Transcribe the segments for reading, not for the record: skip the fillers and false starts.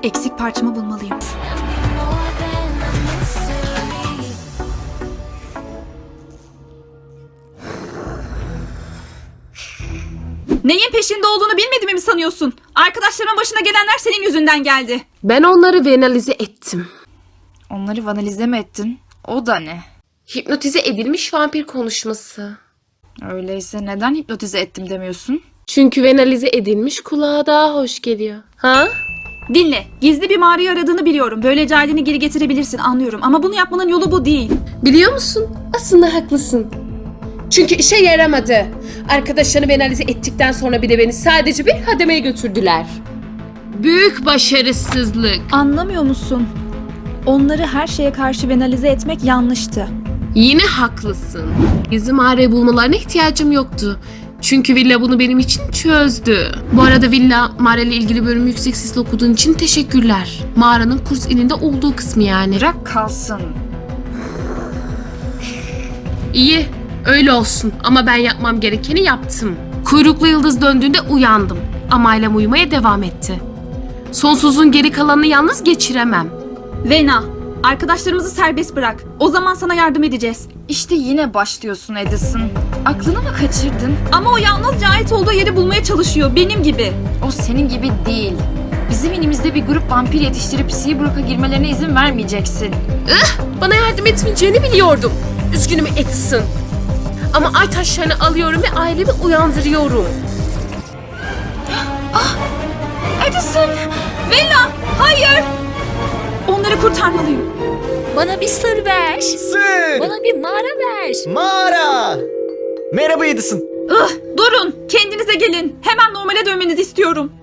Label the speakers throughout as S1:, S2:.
S1: Eksik parçamı bulmalıyım. Neyin peşinde olduğunu bilmediğimi mi sanıyorsun? Arkadaşlarımın başına gelenler senin yüzünden geldi.
S2: Ben onları venalize ettim.
S3: Onları vanalize mi ettin? O da ne?
S2: Hipnotize edilmiş vampir konuşması.
S3: Öyleyse neden hipnotize ettim demiyorsun?
S2: Çünkü venalize edilmiş kulağa daha hoş geliyor. Ha?
S1: Dinle, gizli bir mağarayı aradığını biliyorum. Böylece aileni geri getirebilirsin, anlıyorum. Ama bunu yapmanın yolu bu değil.
S2: Biliyor musun? Aslında haklısın. Çünkü işe yaramadı. Arkadaşlarını venalize ettikten sonra bile beni sadece bir hademeye götürdüler. Büyük başarısızlık.
S1: Anlamıyor musun? Onları her şeye karşı venalize etmek yanlıştı.
S2: Yine haklısın. Gizli mağarayı bulmalarına ihtiyacım yoktu. Çünkü Villa bunu benim için çözdü. Bu arada Villa, mağarayla ilgili bölümü yüksek sesle okuduğun için teşekkürler. Mağaranın kurs ininde olduğu kısmı yani.
S3: Bırak kalsın.
S2: İyi, öyle olsun ama ben yapmam gerekeni yaptım. Kuyruklu yıldız döndüğünde uyandım. Ama ailem uyumaya devam etti. Sonsuzun geri kalanını yalnız geçiremem.
S1: Vena, arkadaşlarımızı serbest bırak. O zaman sana yardım edeceğiz.
S3: İşte yine başlıyorsun Edison. Aklını mı kaçırdın?
S1: Ama o yalnızca ait olduğu yeri bulmaya çalışıyor, benim gibi.
S3: O senin gibi değil. Bizim inimizde bir grup vampir yetiştirip Seabrook'a girmelerine izin vermeyeceksin.
S2: Bana yardım etmeyeceğini biliyordum. Üzgünüm Edison. Ama ay taşlarını alıyorum ve ailemi uyandırıyorum.
S1: Edison! Vena! Hayır! Onları kurtarmalıyım.
S4: Bana bir sır ver.
S5: Sır!
S4: Bana bir mağara ver.
S5: Mağara! Merhaba Edison.
S1: Durun! Kendinize gelin. Hemen normale dönmenizi istiyorum.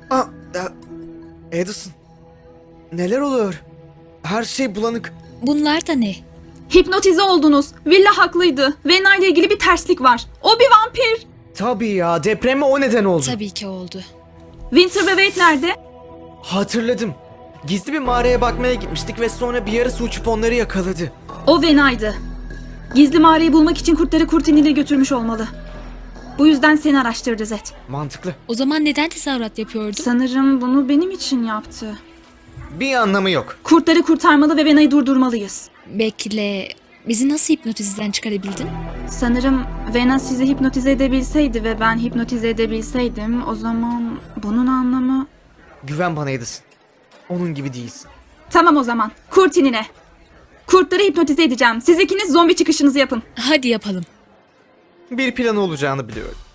S5: Edison. Neler oluyor? Her şey bulanık.
S4: Bunlar da ne?
S1: Hipnotize oldunuz. Villa haklıydı. Vena ile ilgili bir terslik var. O bir vampir.
S5: Tabii ya, depreme o neden oldu.
S4: Tabii ki oldu.
S1: Winter ve Wade nerede?
S5: Hatırladım. Gizli bir mağaraya bakmaya gitmiştik ve sonra bir yarısı uçup onları yakaladı.
S1: O Vena'ydı. Gizli mağarayı bulmak için kurtları Kurtini'ne götürmüş olmalı. Bu yüzden seni araştırdı Zed.
S5: Mantıklı.
S4: O zaman neden tezahürat yapıyordu?
S1: Sanırım bunu benim için yaptı.
S5: Bir anlamı yok.
S1: Kurtları kurtarmalı ve Vena'yı durdurmalıyız.
S4: Bekle. Bizi nasıl hipnotizden çıkarabildin?
S1: Sanırım Vena sizi hipnotize edebilseydi ve ben hipnotize edebilseydim, o zaman bunun anlamı...
S5: Güven bana Edison. Onun gibi değilsin.
S1: Tamam o zaman. Kurtinine. Kurtları hipnotize edeceğim. Siz ikiniz zombi çıkışınızı yapın.
S4: Hadi yapalım.
S5: Bir planı olacağını biliyorum.